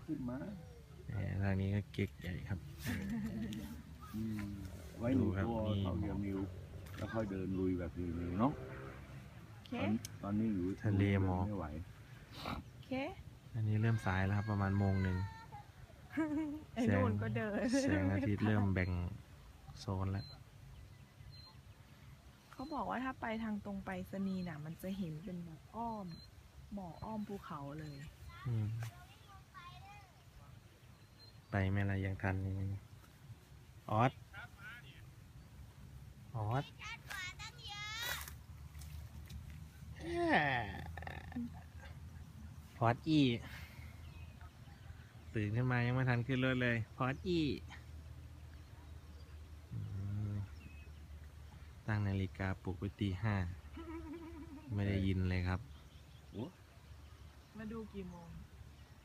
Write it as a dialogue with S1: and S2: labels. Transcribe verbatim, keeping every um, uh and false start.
S1: ขึ้นมา
S2: ทางนี้ก็เก๊กใหญ่ครับ
S1: ไว้หนึ่งตัวเขาเดียวนิ้วแล้วค่อยเดินลุยแบบนี้เนาะตอนตอนนี้อยู่
S2: ทะเลหมอก
S1: ไม่ไหว
S3: เค
S2: อันนี้เริ่มสายแล้วครับประมาณโมงหนึ่ง
S3: ไอ้นู่นก็เดิน
S2: แสงอาทิตย์เริ่มแบ่งโซนแล้ว
S3: เขาบอกว่าถ้าไปทางตรงไปสนีน่ะมันจะเห็นเป็นแบบอ้อมหมอกอ้อมภูเขาเลย
S2: ไปไม่ละยังทันนี่ออสออสพอดอีตื่นขึ้นมายังไม่ทันขึ้นรถเลยพอดอีตั้งนาฬิกาปลุกไว้ตีห้าไม่ได้ยินเลยครับ
S3: มาดูกี่โมง